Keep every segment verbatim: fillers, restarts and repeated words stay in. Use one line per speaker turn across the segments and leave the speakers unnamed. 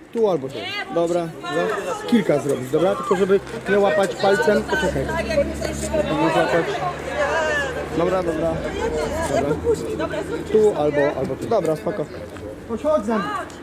Tu albo tu. Dobra, za- kilka zrobić, dobra? Tylko żeby nie łapać palcem, poczekaj. Nie złapać. Dobra, dobra. Dobra. Tu albo, albo tu. Dobra, spoko. Chodź, chodź za mną.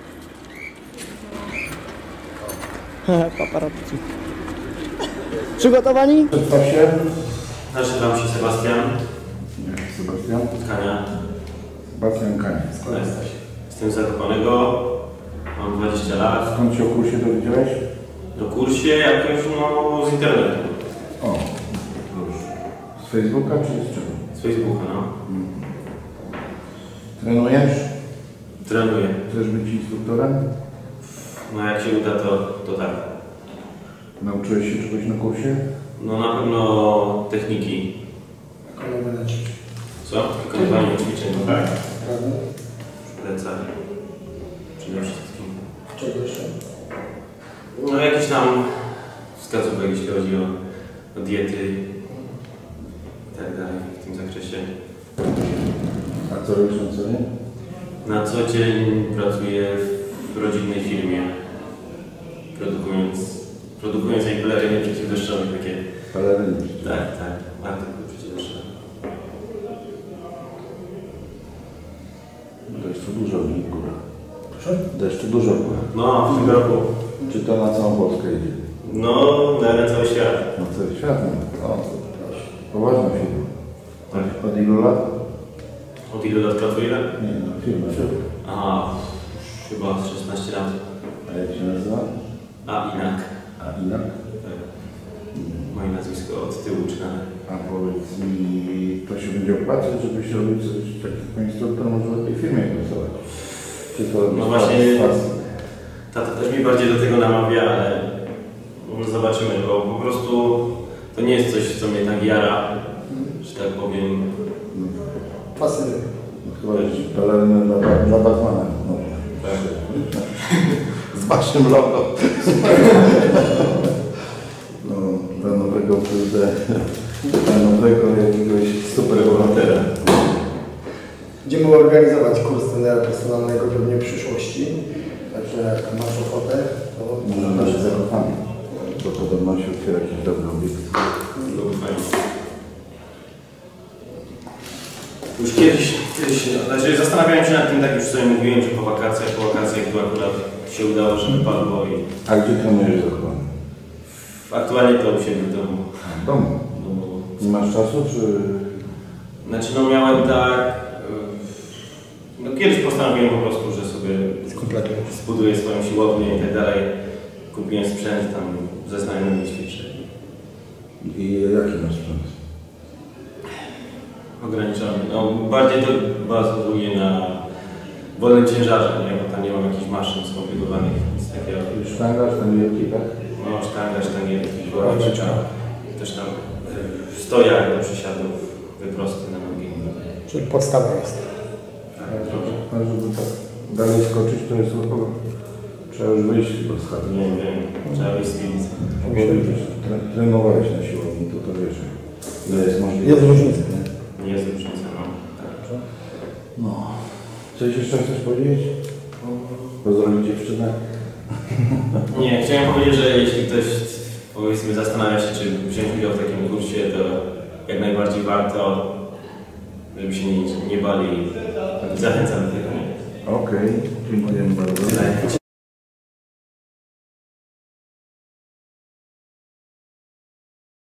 Paparazzi. Przygotowani?
Przedstaw się.
Nazywam się Sebastian.
Sebastian.
Kania.
Sebastian Kania.
Jestem z Zakopanego. Mam dwadzieścia lat.
Skąd się o kursie dowiedziałeś?
Do kursie jakoś no z internetu.
O, już. Z Facebooka czy z czego?
Z Facebooka, no.
Hmm. Trenujesz?
Trenuję.
Chcesz być instruktorem?
No jak się uda, to, to tak.
Nauczyłeś się czegoś na kursie?
No na pewno techniki.
Wykonywanie ćwiczeń.
Co? Wykonywanie ćwiczeń. Tak.
Prawda?
Plecach. Przede wszystkim.
Czego jeszcze?
No jakieś tam wskazówek, jeśli chodzi o, o diety i tak dalej w tym zakresie.
A co robisz na co dzień?
Na co dzień pracuję w rodzinnej firmie, produkując, produkując jej peleryny przeciwdeszczowe takie.
Peleryny.
Tak, tak, artykuły przeciwdeszczowe.
Deszczu dużo w górach. Proszę? Deszczu dużo w górach.
No, w tym roku.
Czy to na całą Polskę idzie?
No, na cały świat.
Na cały świat. No. O, to poważna firma. Tak. Od ilu lat?
Od ilu lat pracuję?
Nie, no firma.
Aha, chyba z szesnaście lat.
A jak się nazywa?
A inak.
A Inak?
Tak. Moje nazwisko od tyłu czytane.
A powiedz mi, to się będzie opłacać, żebyś robił coś takiego instruktor, może lepiej w firmie pracować? Czy to
No właśnie, tata też mi bardziej do tego namawia, ale no zobaczymy, bo po prostu to nie jest coś, co mnie tak jara, że tak powiem.
Fascynuje. Chyba już pelerynę dla, dla Batmana. No.
Tak.
Z waszym logo. No, dla nowego, kurde, dla nowego jakiegoś superbohatera.
Będziemy organizować kurs trenera personalnego pewnie w przyszłości. Także jak masz ochotę, to
Może nasze Zakopane. To podobno się otwiera jakiś dobry obiekt.
No, fajnie. Już kiedyś, kiedyś, znaczy zastanawiałem się nad tym, tak już sobie mówiłem, że po wakacjach, po wakacjach tu akurat się udało, że wypadło i
A gdzie trenujesz Zakopane?
aktualnie to u siebie w domu.
W domu.
No,
Nie masz czasu, czy...
znaczy no miałem tak, no kiedyś postanowiłem po prostu, że sobie zbuduję swoją siłownię i tak dalej. Kupiłem sprzęt tam ze znajomymi ćwiczę.
I jaki masz sprzęt?
Ograniczony. No bardziej to bazuje na wolnym ciężarze, nie? Bo tam nie mam jakichś maszyn skomplikowanych, nic takiego.
Sztanga, sztangierki, tak?
No sztanga, sztangierki, woreczka, też tam y, stojak do przysiadów, wyprosty na nogi.
czyli podstawa jest.
Tak,
A żeby tak dalej skoczyć, to jest chyba... Trzeba już wyjść z chaty.
nie wiem, trzeba wyjść z piwnicy.
Tre, trenowałeś na siłowni, to to wiesz, ile jest możliwe.
Jest różnica.
Nie jest różnica, no. Tak.
No. Coś jeszcze chcesz powiedzieć? Pozdrowić dziewczynę?
Nie, chciałem powiedzieć, że jeśli ktoś powiedzmy zastanawia się, czy wziąć udział w takim kursie, to jak najbardziej warto, żeby się nie, nie bali. Zachęcam do tego.
Okej, okay. Dziękujemy bardzo.